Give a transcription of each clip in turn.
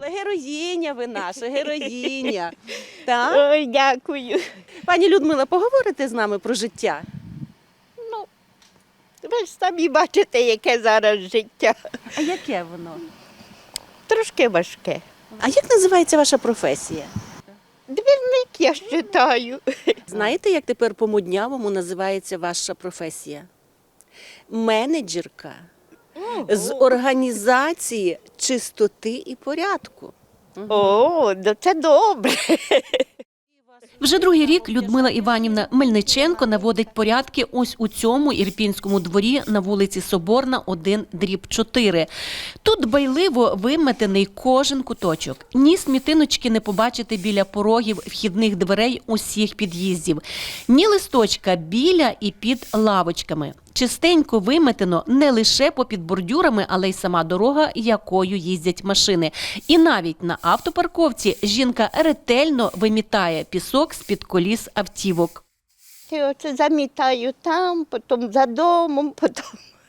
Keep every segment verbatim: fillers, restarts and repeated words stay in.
Героїня ви наша, героїня. Так? Ой, дякую. Пані Людмила, поговорите з нами про життя? Ну, ви ж самі бачите, яке зараз життя. А яке воно? Трошки важке. А як називається ваша професія? Двірник, я вважаю. Знаєте, як тепер по-моднявому називається ваша професія? Менеджерка з організації чистоти і порядку. О, ну це добре. Вже другий рік Людмила Іванівна Мельниченко наводить порядки ось у цьому ірпінському дворі на вулиці Соборна, один дріб чотири. Тут дбайливо виметений кожен куточок. Ні смітиночки не побачити біля порогів вхідних дверей усіх під'їздів, ні листочка біля і під лавочками. Чистенько виметено не лише попід бордюрами, але й сама дорога, якою їздять машини. І навіть на автопарковці жінка ретельно вимітає пісок з-під коліс автівок. Я оце замітаю там, потім за домом, потім.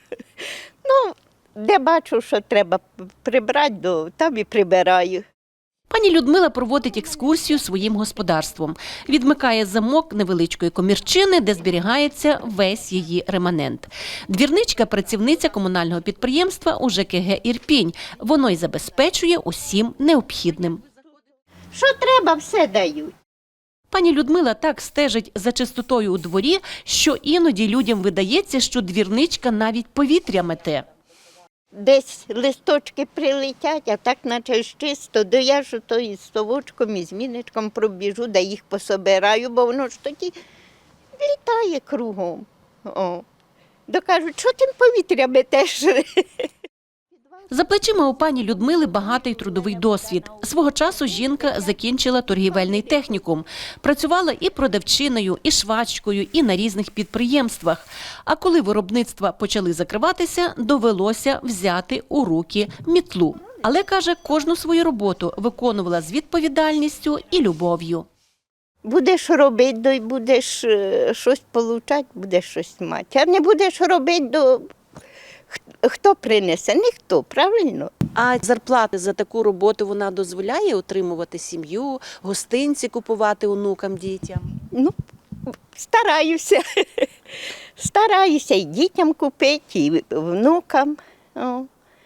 Ну, де бачу, що треба прибрати, то там і прибираю. Пані Людмила проводить екскурсію своїм господарством. Відмикає замок невеличкої комірчини, де зберігається весь її реманент. Двірничка – працівниця комунального підприємства у ЖКГ «Ірпінь». Воно й забезпечує усім необхідним. Що треба, все дають. Пані Людмила так стежить за чистотою у дворі, що іноді людям видається, що двірничка навіть повітря мете. Десь листочки прилетять, а так наче ж чисто, то я ж то із совочком, і з міничком пробіжу, да їх пособираю, бо воно ж тоді літає кругом. О. Докажуть, що тим повітря метеш? За плечима у пані Людмили багатий трудовий досвід. Свого часу жінка закінчила торгівельний технікум. Працювала і продавчиною, і швачкою, і на різних підприємствах. А коли виробництва почали закриватися, довелося взяти у руки мітлу. Але, каже, кожну свою роботу виконувала з відповідальністю і любов'ю. Будеш робити, то й будеш е, щось получати, будеш щось мати. А не будеш робити, то хто принесе? Ніхто, правильно? А зарплати за таку роботу вона дозволяє утримувати сім'ю, гостинці купувати онукам, дітям? Ну, стараюся. Стараюся і дітям купити, і внукам. О.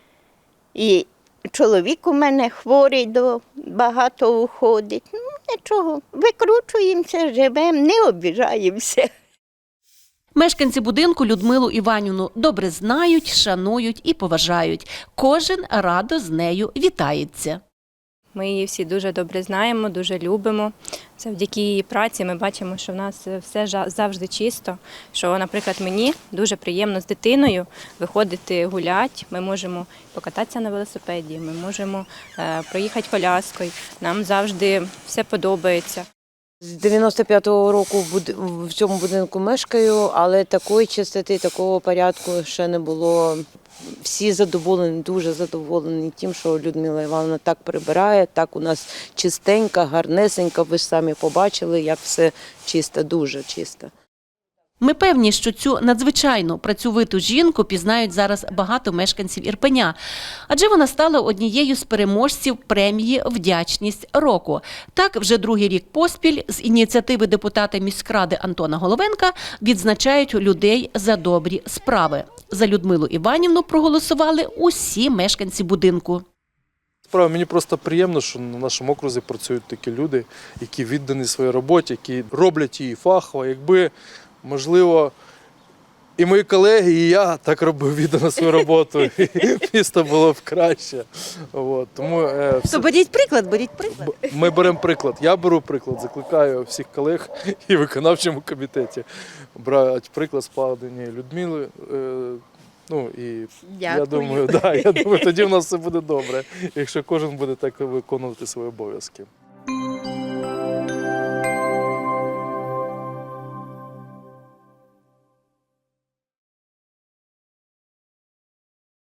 І чоловік у мене хворий, до багато уходить. Ну, нічого, викручуємося, живемо, не обіжаємося. Мешканці будинку Людмилу Іванівну добре знають, шанують і поважають. Кожен радо з нею вітається. Ми її всі дуже добре знаємо, дуже любимо. Завдяки її праці ми бачимо, що в нас все завжди чисто. Що, наприклад, мені дуже приємно з дитиною виходити гуляти. Ми можемо покататися на велосипеді, ми можемо проїхати коляскою. Нам завжди все подобається. З дев'яносто п'ятого року в цьому будинку мешкаю, але такої чистоти, такого порядку ще не було. Всі задоволені, дуже задоволені тим, що Людмила Івановна так прибирає, так у нас чистенько, гарнесенько. Ви ж самі побачили, як все чисто, дуже чисто. Ми певні, що цю надзвичайно працьовиту жінку пізнають зараз багато мешканців Ірпеня. Адже вона стала однією з переможців премії «Вдячність року». Так, вже другий рік поспіль з ініціативи депутата міськради Антона Головенка відзначають людей за добрі справи. За Людмилу Іванівну проголосували усі мешканці будинку. Справа, мені просто приємно, що на нашому окрузі працюють такі люди, які віддані своїй роботі, які роблять її фахово. Якби, можливо, і мої колеги, і я так робив віддано свою роботу, і місто було б краще. От, тому, е, все... То беріть приклад, беріть приклад. Ми беремо приклад. Я беру приклад, закликаю всіх колег і в виконавчому комітеті брати приклад складені Людмили. Е, Ну і Дякую. я думаю, да, я думаю, тоді в нас все буде добре, якщо кожен буде так виконувати свої обов'язки.